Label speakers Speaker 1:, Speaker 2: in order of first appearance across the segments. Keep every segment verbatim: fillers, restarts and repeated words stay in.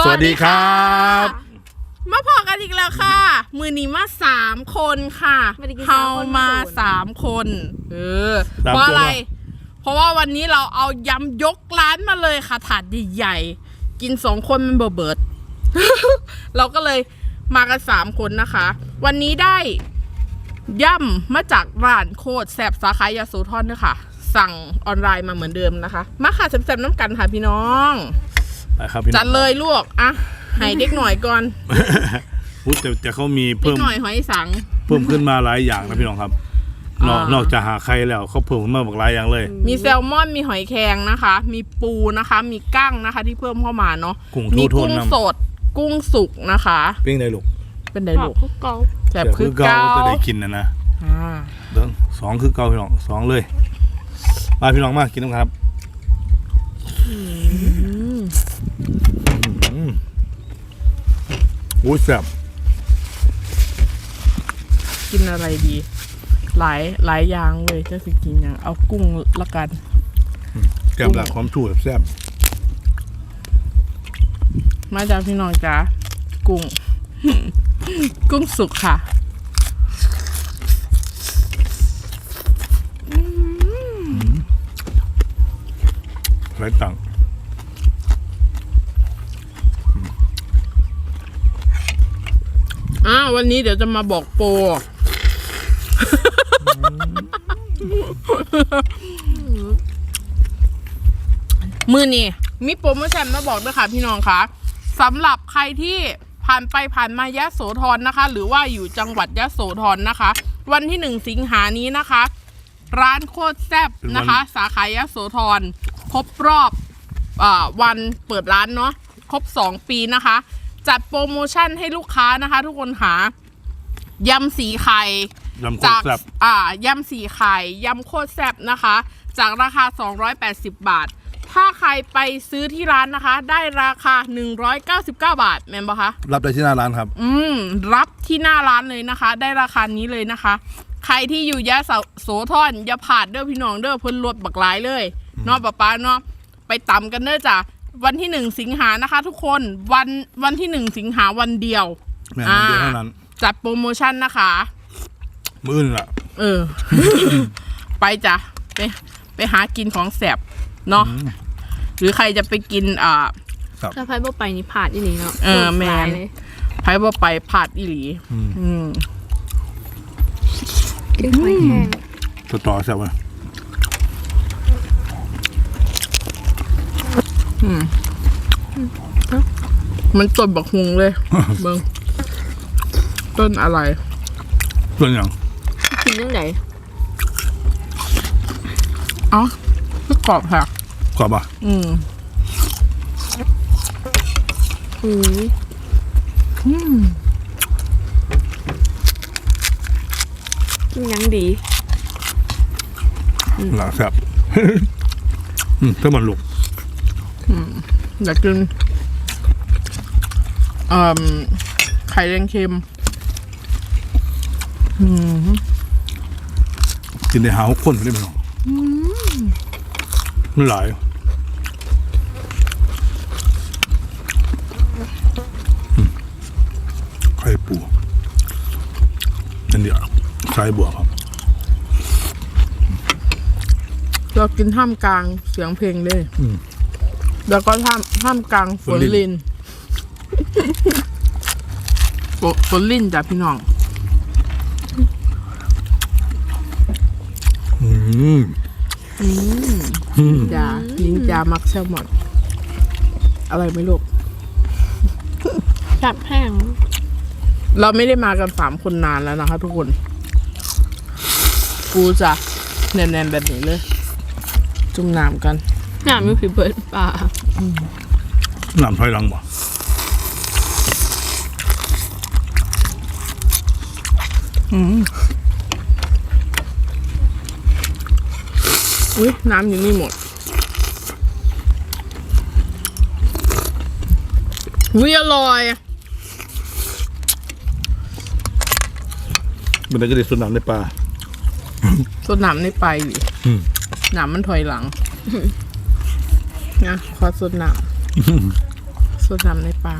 Speaker 1: วัสดีครับ
Speaker 2: มาพอกันอีกแล้วค่ะมือนี้มาสามคนค่ะเฮามาสามคนเออเพราะอะไรเพราะว่าวันนี้เราเอายำยกร้านมาเลยค่ะถาดใหญ่ๆกินสองคนมันเบื่อเบิด เราก็เลยมากันสามคนนะคะ วันนี้ได้ย่ำมาจากร้านโคตรแซ่บสาขายาโสธรด้วยค่ะสั่งออนไลน์มาเหมือนเดิมนะคะมาค่ะแซ่บๆน้ำกันค่ะพี่น้องจัดเลยลูกอ่ะให้เด็กหน่อยก่อน
Speaker 1: พูดแต่แต่เขามี
Speaker 2: เพิ่มหน่อยหอยสัง
Speaker 1: เพิ่มขึ้นมาหลายอย่างนะพี่น้องครับนอกนอกจากหาไข่แล้วเขาเพิ่มขึ้นมาหลายอย่างเลย
Speaker 2: มีแซลมอนมีหอยแครงนะคะมีปูนะคะมีกั้งนะคะที่เพิ่มเข้ามาเนาะมีกุ้งสดกุ้งสุกนะคะ
Speaker 1: เป็นไงลูก
Speaker 2: เป็นไงลูก
Speaker 3: เกา
Speaker 2: แบบคือเกา
Speaker 1: จะได้กินนะนะเดินสองคือเกาพี่น้องสองเลยมาพี่น้องมากินน้ำครับโอ้ยแซ่บ
Speaker 2: กินอะไรดีหลายหลายอย่างเลยจะสิกินอย่างเอากุ้งละกัน
Speaker 1: แกมหลักความชูแซ่บ
Speaker 2: มาจากพี่น้องจ้ากุ้ง กุ้งสุกค่ะ
Speaker 1: ไรตัง
Speaker 2: อ่าวันนี้เดี๋ยวจะมาบอกโปรมือนี่มีโปรโมชั่นมาบอกด้วยค่ะพี่น้องคะสำหรับใครที่ผ่านไปผ่านมายะโสธรนะคะหรือว่าอยู่จังหวัดยะโสธรนะคะวันที่หนึ่งสิงหานี้นะคะร้านโคตรแซ่บนะคะสาขายะโสธรครบรอบอ่าวันเปิดร้านเนาะครบสองปีนะคะจัดโปรโมชั่นให้ลูกค้านะคะทุกคนหายำสีไข่จากอ่ายำสีไข่ยำโคตรแซ่บนะคะจากราคาสองร้อยแปดสิบบาทถ้าใครไปซื้อที่ร้านนะคะได้ราคาหนึ่งร้อยเก้าสิบเก้าบาทแม่นบ่คะ
Speaker 1: รับได้ที่หน้าร้านครับ
Speaker 2: อืมรับที่หน้าร้านเลยนะคะได้ราคานี้เลยนะคะใครที่อยู่ยะโสธรอย่าผ่านเด้อพี่น้องเด้อเพิ่นลดบักหลายเลยเนาะป้าป้าเนาะไปตำกันเด้อจ้ะวันที่หนึ่งสิงหานะคะทุกคนวันวันที่หนึ่งสิงหาวันเดียว
Speaker 1: อ่า
Speaker 2: จัดโปรโมชั่นนะคะ
Speaker 1: มื้อละ
Speaker 2: เออ ไปจ้ะไปไปหากินของแสบเนาะหรือใครจะไปกินอ่า
Speaker 3: ถ้าไพ่บ่ไปนี่ผาดอีหลีเนาะ
Speaker 2: เออแมนไพ่บ่ไปผาดอีหลีอืม
Speaker 3: กินหอยแครง
Speaker 1: ต่อต่อแซ่บไหม
Speaker 2: อืมมันต้นบักฮุงเลยเบิ้งต้นอะไร
Speaker 1: ต้นอย่าง
Speaker 3: กินยังไง
Speaker 2: อ๋อคือกรอบค่ะ
Speaker 1: กรอบอ่ะ
Speaker 2: อืม
Speaker 3: อืม
Speaker 2: อืม
Speaker 3: กินยังดี
Speaker 1: หลังแซ่บอืมถ้ามันลุก
Speaker 2: อืมอยากกินอ่าไข่แดงเค็มอืม
Speaker 1: กินในหาข้นไม่ได้ไหมน้องมันหลายไข่ปูนั่นเดียวไข่บัวครับ
Speaker 2: เรากินท่ามกลางเสียงเพลงเลยแล้วก็ท่ามท่ามกลางฝนลินฝนลินจ้ะพี่น้อง
Speaker 1: อืม
Speaker 2: อืมจ้าลิงจ้ามักแซลมอนอะไรไม่รู้
Speaker 3: จับแห้ง
Speaker 2: เราไม่ได้มากันสามคนนานแล้วนะคะทุกคนกูจะแน่นๆแบบนี้เลยจุ่มน้ำกัน
Speaker 3: น้ำมีผีเบิร์ดป่า
Speaker 1: น้ำถอยหลังบ่
Speaker 2: อืมอุ้ยน้ำอยู่นี่หมดวิอร่อย
Speaker 1: มันได้ก็ได้สดน้ำในปลา
Speaker 2: สดน้ำในปลาอยู่น้ำมันถอยหลังนะขอสดน้ำสูตรสามในปลา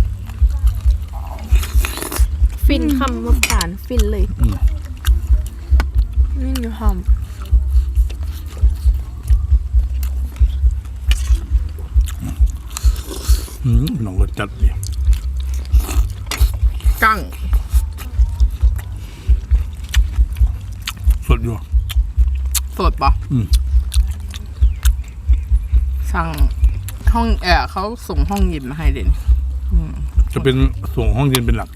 Speaker 3: ฟินคำว่าผ่านฟินเลย
Speaker 1: อืม
Speaker 3: นี่มีหอม
Speaker 1: อืมน้องรสจัดดิ
Speaker 2: กั้ง
Speaker 1: สดอยู่
Speaker 2: สดปะ
Speaker 1: อืม
Speaker 2: สั่งห้องแอร์เขาส่งห้องเย็นมาให้เด่น
Speaker 1: จะเป็นส่งห้องเย็นเป็นหลัก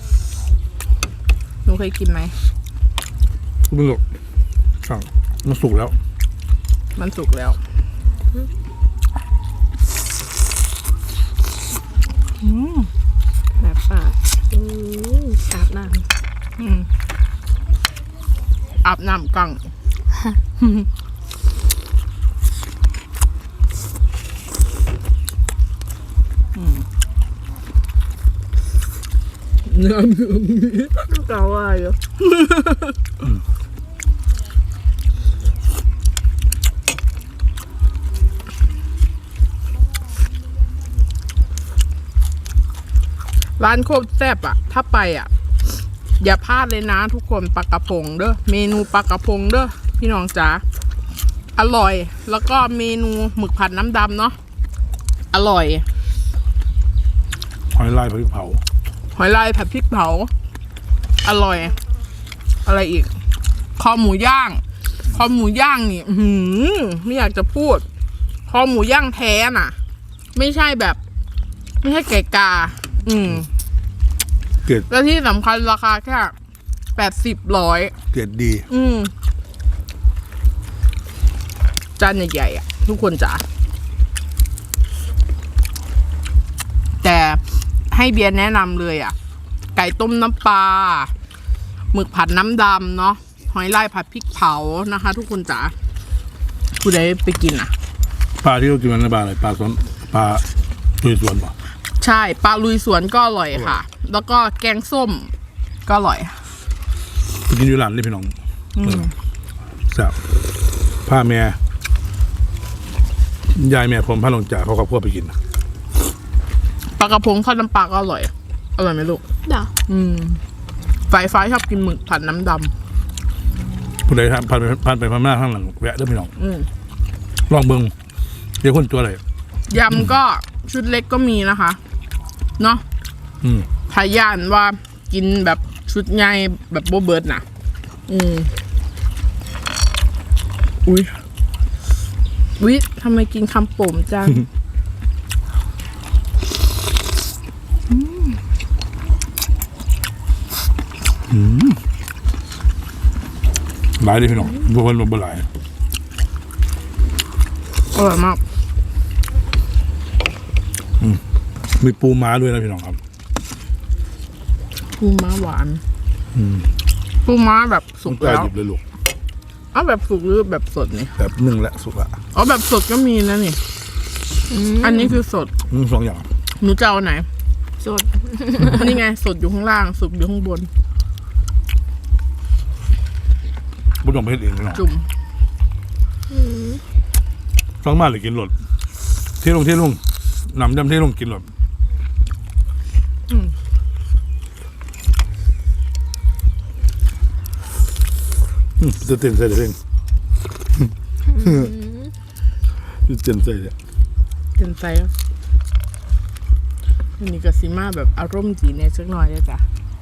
Speaker 2: หนูเคยกินไหม
Speaker 1: ไม่หรอกสั่งมันสุกแล้ว
Speaker 2: มันสุกแล้ว อืม
Speaker 3: แบบปากอืมอาบน้
Speaker 2: อืมอาบน้ำกั้งเนื้อเนื้อมี
Speaker 3: ำเกาว่าอยู่
Speaker 2: ร้านโคตรแซ่บอ่ะ ถ้าไปอ่ะ อย่าพลาดเลยนะทุกคนปลากระพงเด้อเมนูปลากระพงเด้อพี่น้องจ๋าอร่อย แล้วก็เมนูหมึกผัดน้ำดำเนาะอร่อย
Speaker 1: หอยลายพริกเผา
Speaker 2: หอยลายผัดพริกเผา อร่อย อะไรอีก คอหมูย่าง คอหมูย่างนี่ อื้อหือไม่อยากจะพูด คอหมูย่างแท้น่ะ ไม่ใช่แบบ ไม่ใช่ไก่กา อืม
Speaker 1: เกรด
Speaker 2: และที่สำคัญราคาแค่แปดสิบร้อย
Speaker 1: เกรดดี
Speaker 2: อืม จานใหญ่ๆอ่ะ ทุกคนจ๋าแต่ให้เบียร์แนะนำเลยอ่ะ ไก่ต้มน้ำปลาหมึกผัดน้ำดำเนาะหอยลายผัดพริกเผานะคะ ทุกคนจ๋าผู้ใดไปกินอ่ะ
Speaker 1: ปลาที่เรากินมันในบ้านอะไรปลาสวนปลาตุยสวนป่ะ
Speaker 2: ใช่ปลาลุยสวนก็อร่อยค่ะ แล้วก็แกงส้มก็อร่อย
Speaker 1: ไปกินอยู่ร้านนี่พี่น้องเออแซ่บผ้าแม่ยายแม่ผมพาลงจ่าเขากับพวกไปกิน
Speaker 2: ปลากระพงทอดน้ำปลาก็อร่อย อร่อยไหมลูก
Speaker 3: เดี๋ยว
Speaker 2: อืมฝ่ายฟ้าชอบกินหมึกผัดน้ำด
Speaker 1: ผู้ใดทำผ่านไปผ่านไปผ่านมาข้างหลังแวะเด้อพี่น้อง
Speaker 2: ำอืม
Speaker 1: ลองเบิ่งเดี๋ยวคนตัวอะไร
Speaker 2: ยำก็ชุดเล็กก็มีนะคะ เนาะ
Speaker 1: อืม
Speaker 2: พายานว่ากินแบบชุดใหญ่แบบโบเบิร์ดน่ะ อืม อุ้ยอุ้ยทำไมกินคำโป่มจัง
Speaker 1: หลายเลยพี่น้องบวคนบ่หลาย
Speaker 2: อร่อยมาก
Speaker 1: มีปูม้าด้วยนะพี่น้องครับ
Speaker 2: ปูม้าหวานปูม้าแบบสุ
Speaker 1: ต้อก งกล้า
Speaker 2: แล้ว
Speaker 1: หยิบเลยลูก
Speaker 2: อ๋อแบบสุกหรือแบบสดนี่
Speaker 1: แบบหนึ่งและสุกละ
Speaker 2: อ๋อแบบสดก็มีนะนี่ อันนี้คือสด
Speaker 1: อืมสองอย่าง
Speaker 2: หนูจะเอาไหน
Speaker 3: สด
Speaker 2: นี่ไง สดอยู่ข้างล่าง สุกอยู่ข้างบน
Speaker 1: บุญของเพชรเองพี่น้อง
Speaker 2: จุ่ม
Speaker 1: สองมาหรือกินหลดเที่ลงเที่ลงนำดำเที่ลงกินหลด
Speaker 2: อืม
Speaker 1: อืมจะเต้นใส่เด้งจะเต้นใส่เลย
Speaker 2: เป็นไซส์อันนี้ก็ซิมาแบบอารมณ์จีเนี่ยสักหน่อยเลยจ้ะ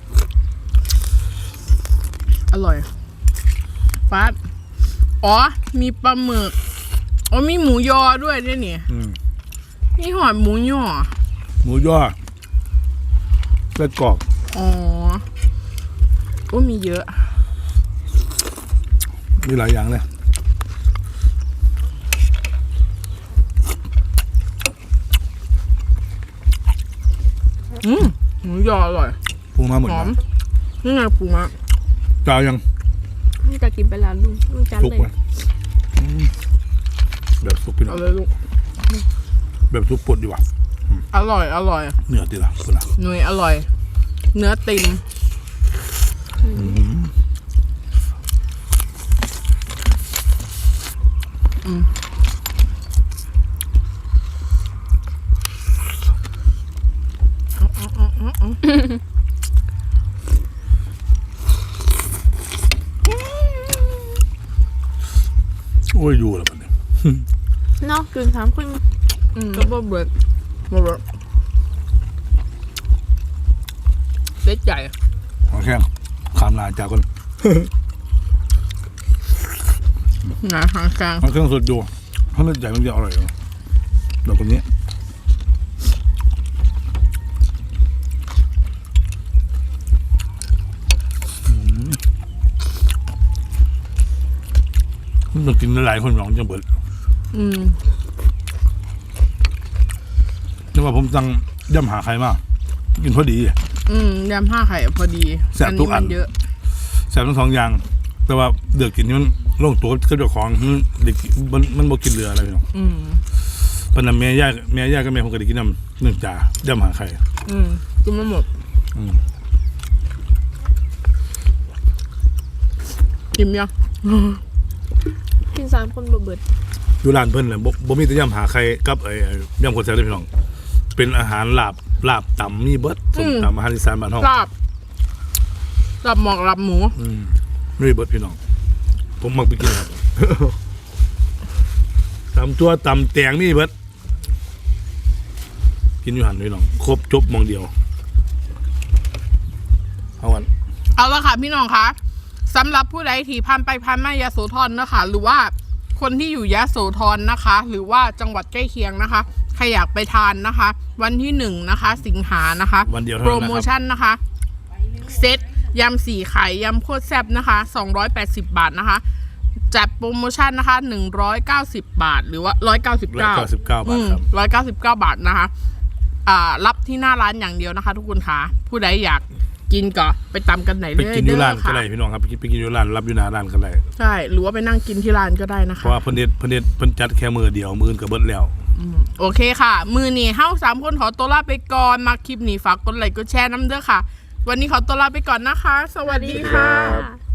Speaker 2: อร่อยฟาดอ๋อ มีปลาหมึก อ๋อ มีหมูยอด้วยด้วยนี่
Speaker 1: อืม
Speaker 2: มีหอดหมูยอ
Speaker 1: หมูย่อไส้กรอก
Speaker 2: อ๋อ โอ้มีเยอะ
Speaker 1: มีหลายอย่างเลย
Speaker 2: อืมหมูยออร่อย
Speaker 1: ปูม้าหมด
Speaker 2: หอ
Speaker 1: นะ
Speaker 2: ม นี่ไงปูม้า
Speaker 1: จาวยัง
Speaker 3: นี่จะกินไปแล้วลุงลุงจัน
Speaker 1: สุก
Speaker 3: เลย
Speaker 1: ไหมอืมแบบสุกพี่น้อ
Speaker 2: เอา
Speaker 1: ง
Speaker 2: เลยลูก
Speaker 1: แบบสุกปดดีกว่า
Speaker 2: อร่อย อร่อย
Speaker 1: เนื้อตีละคุณละ
Speaker 2: หนุ่ยอร่อย เนื้อติ่ม
Speaker 1: โอ้ยอยู่แล้วมันเนี่ย
Speaker 3: เนาะกึ่งสามคน
Speaker 2: อืมก็บ่เบิดบ่เบิดเล็กใหญ่
Speaker 1: ขอแค่ขามลาจากคน
Speaker 2: นะหางกลาง
Speaker 1: มันเครื่องสดอยู่ถ้ามันใหญ่มันจะอร่อยแบบคนนี้มันกินหลายคนหลองจังเบิด
Speaker 2: อืม
Speaker 1: นี่ว่าผมสั่งย่ำหาใครมากกินพอดี
Speaker 2: อืมยำห้าไข่พอดี
Speaker 1: แซ่บทุกอัน
Speaker 2: มัเยอะ
Speaker 1: แซ่บทั้งสองอย่าง แต่ว่าเดือกกินนี่มันโล่งตัวก็เจ้าของมันเด็กมันมันบ่กินเรืออะไรพี่น้อง
Speaker 2: อืม
Speaker 1: ปนนั้นแม่ย่าแม่ย่าก็แม่ผมก็ได้กินน้ำหนึ่งจ่าย่ำหาใคร
Speaker 2: อืมกินมาหมด
Speaker 1: อืม
Speaker 2: กินยัง
Speaker 3: กินสามคนบ่เบิด
Speaker 1: อยู่ร้านเพิ่นเลยบ่บ่มีแต่ย่ำหาใครกับไอ้ไอ้ย่ำคนแซ่บเลยพี่น้อง เป็นอาหารลาบลาบต่ำมีเบิดส้มตำอาหารอีสานบ้านเฮา
Speaker 2: ลาบลาบหมอกลาบหมู
Speaker 1: อืมมีเบิดพี่น้อง ผมมักไปกินครับ ตำตัวตำแตงมีเบิดกินอยู่หันพี่น้องครบจบหมองเดียวเอาวัน
Speaker 2: เอาละค่ะพี่น้องคะสำหรับผู้ใดที่พันไปพันมายาโสธรนะคะ หรือว่าคนที่อยู่ยะโสธรนะคะ หรือว่าจังหวัดใกล้เคียงนะคะใครอยากไปทานนะคะ วันที่หนึ่งนะคะ สิงหานะคะ
Speaker 1: วันเดียวเท่า
Speaker 2: โปร
Speaker 1: นั้น
Speaker 2: โม
Speaker 1: นะครับ
Speaker 2: ชั่นนะคะ เซตยำสี่ไข่ยำโคตรแซ่บนะคะสองร้อยแปดสิบบาทนะคะ จัดโปรโมชั่นนะคะหนึ่งร้อยเก้าสิบบาท หรือว่าร้อยเก้าสิบ
Speaker 1: ร้อย
Speaker 2: เก้า
Speaker 1: เก้าสิบเก้าบาทครับ
Speaker 2: ร้อยเก้าสิบเก้าบาทนะคะ อ่า รับที่หน้าร้านอย่างเดียวนะคะ ทุกคนค่ะผู้ใดอยากกินก็ไปตามกันไหน
Speaker 1: ไป
Speaker 2: เลย
Speaker 1: กินอยู่ร้าน
Speaker 2: เด้อ
Speaker 1: ก็
Speaker 2: ค่ะ
Speaker 1: ได้พี่น้องครับไปกินไปกินอยู่ร้านรับอยู่หน้าร้านก็ได้
Speaker 2: ใช่หรือว่าไปนั่งกินที่ร้านก็ได้นะ
Speaker 1: เพ
Speaker 2: คะ
Speaker 1: ราะว่าเพิ่นเด็ดเพิ่นเด็ดเพิ่นจัดแค่มือเดียวมืออื่นก็เบิดแล้ว
Speaker 2: โอเคค่ะ มือนี่เฮ้าสามคนขอตัวลาไปก่อนมาคลิปนี้ฝากกดไลค์กดแชร์น้ำเด้อค่ะ วันนี้ขอตัวลาไปก่อนนะคะ สวัสดีค่ะ
Speaker 3: ค่ะ